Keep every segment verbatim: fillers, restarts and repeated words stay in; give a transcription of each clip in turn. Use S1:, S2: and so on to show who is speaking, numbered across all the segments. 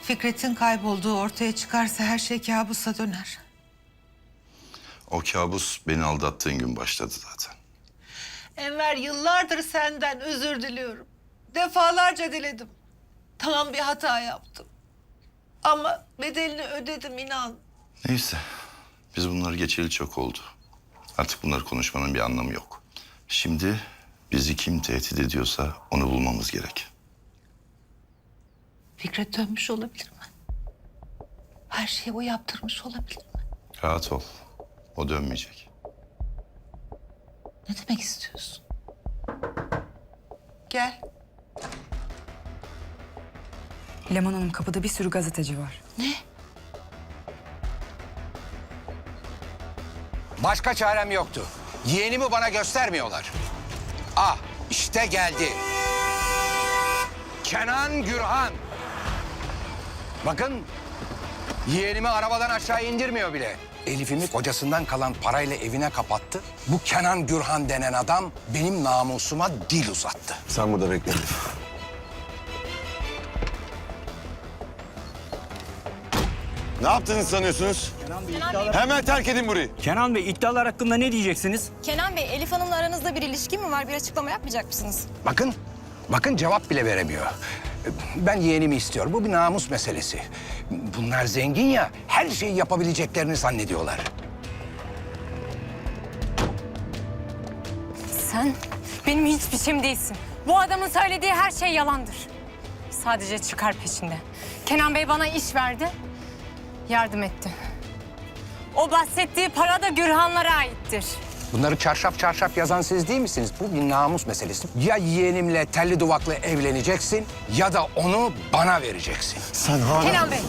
S1: Fikret'in kaybolduğu ortaya çıkarsa her şey kabusa döner.
S2: O kabus beni aldattığın gün başladı zaten.
S1: Enver, yıllardır senden özür diliyorum. Defalarca diledim. Tamam, bir hata yaptım. Ama bedelini ödedim, inan.
S2: Neyse, biz bunları geçeli çok oldu. Artık bunları konuşmanın bir anlamı yok. Şimdi bizi kim tehdit ediyorsa onu bulmamız gerek.
S1: Fikret dönmüş olabilir mi? Her şeyi o yaptırmış olabilir mi?
S2: Rahat ol, o dönmeyecek.
S1: Ne demek istiyorsun? Gel.
S3: Leman Hanım, kapıda bir sürü gazeteci var.
S1: Ne?
S4: Başka çarem yoktu. Yeğenimi bana göstermiyorlar. Ah, işte geldi. Kenan Gürhan. Bakın, yeğenimi arabadan aşağı indirmiyor bile. Elif'imi kocasından kalan parayla evine kapattı. Bu Kenan Gürhan denen adam benim namusuma dil uzattı.
S5: Sen burada bekle Elif. Ne yaptığınızı sanıyorsunuz? Hemen terk edin burayı.
S6: Kenan Bey, iddialar hakkında ne diyeceksiniz?
S7: Kenan Bey, Elif Hanım'la aranızda bir ilişki mi var? Bir açıklama yapmayacak mısınız?
S4: Bakın, bakın cevap bile veremiyor. Ben yeğenimi istiyorum. Bu bir namus meselesi. Bunlar zengin ya, her şeyi yapabileceklerini zannediyorlar.
S7: Sen benim hiçbir şeyim değilsin. Bu adamın söylediği her şey yalandır. Sadece çıkar peşinde. Kenan Bey bana iş verdi, yardım etti. O bahsettiği para da Gürhanlara aittir.
S4: Bunları çarşaf çarşaf yazan siz değil misiniz? Bu bir namus meselesi. Ya yeğenimle telli duvaklı evleneceksin ya da onu bana vereceksin.
S5: Sen hala...
S7: Kenan Bey.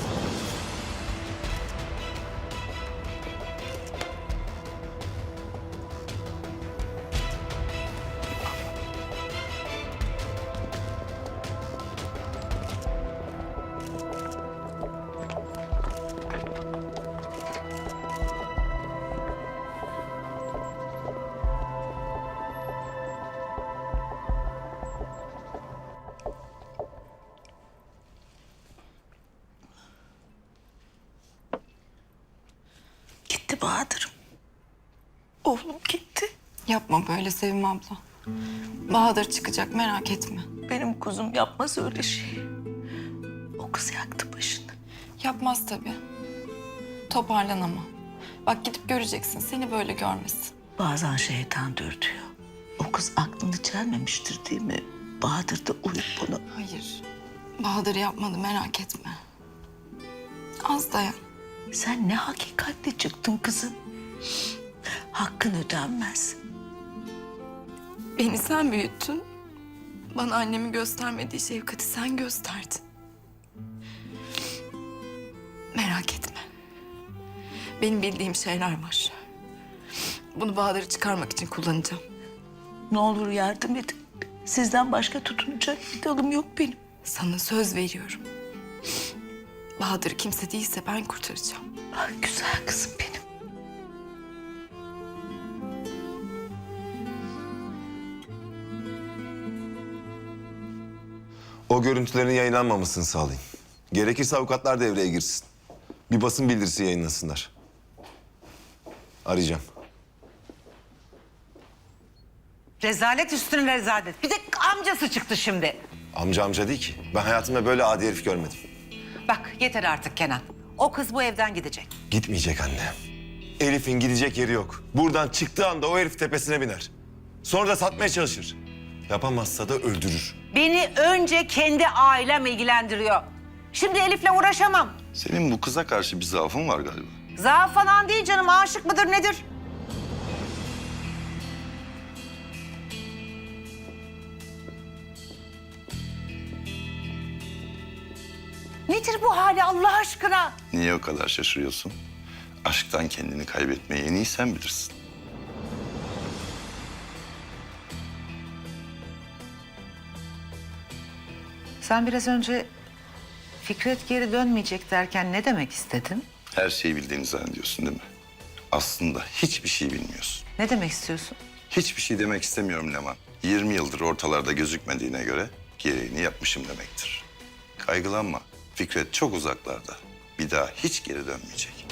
S1: Gitti Bahadır'ım. Oğlum gitti.
S8: Yapma böyle Sevim abla. Bahadır çıkacak, merak etme.
S1: Benim kuzum yapmaz öyle şey. O kız yaktı başını.
S8: Yapmaz tabii. Toparlan ama. Bak gidip göreceksin, seni böyle görmesin.
S9: Bazen şeytan dürtüyor. O kız aklını çelmemiştir değil mi? Bahadır da uyup bunu...
S8: Hayır, Bahadır yapmadı, merak etme. Az dayan.
S9: Sen ne hakikatli çıktın kızım. Hakkın ödenmez.
S8: Beni sen büyüttün. Bana annemi göstermediği şefkati sen gösterdin. Merak etme. Benim bildiğim şeyler var. Bunu Bahadır'ı çıkarmak için kullanacağım.
S9: Ne olur yardım edin. Sizden başka tutunacak bir dalım yok benim.
S8: Sana söz veriyorum. Bahadır kimse değilse ben kurtaracağım.
S9: Ah, güzel kızım benim.
S5: O görüntülerin yayınlanmamasını sağlayın. Gerekirse avukatlar devreye girsin. Bir basın bildirisi yayınlasınlar. Arayacağım.
S1: Rezalet üstüne rezalet. Bir de amcası çıktı şimdi.
S5: Amca amca değil ki. Ben hayatımda böyle adi herif görmedim.
S1: Bak yeter artık Kenan. O kız bu evden gidecek.
S5: Gitmeyecek anne. Elif'in gidecek yeri yok. Buradan çıktığı anda o herif tepesine biner. Sonra da satmaya çalışır. Yapamazsa da öldürür.
S1: Beni önce kendi ailem ilgilendiriyor. Şimdi Elif'le uğraşamam.
S2: Senin bu kıza karşı bir zaafın var galiba.
S1: Zaaf falan değil canım. Aşık mıdır nedir? Nedir bu hali Allah aşkına?
S2: Niye o kadar şaşırıyorsun? Aşktan kendini kaybetmeyi en iyi sen bilirsin.
S1: Sen biraz önce Fikret geri dönmeyecek derken ne demek istedin?
S2: Her şeyi bildiğini zannediyorsun değil mi? Aslında hiçbir şey bilmiyorsun.
S1: Ne demek istiyorsun?
S2: Hiçbir şey demek istemiyorum Leman. yirmi yıldır ortalarda gözükmediğine göre gereğini yapmışım demektir. Kaygılanma. Fikret çok uzaklarda. Bir daha hiç geri dönmeyecek.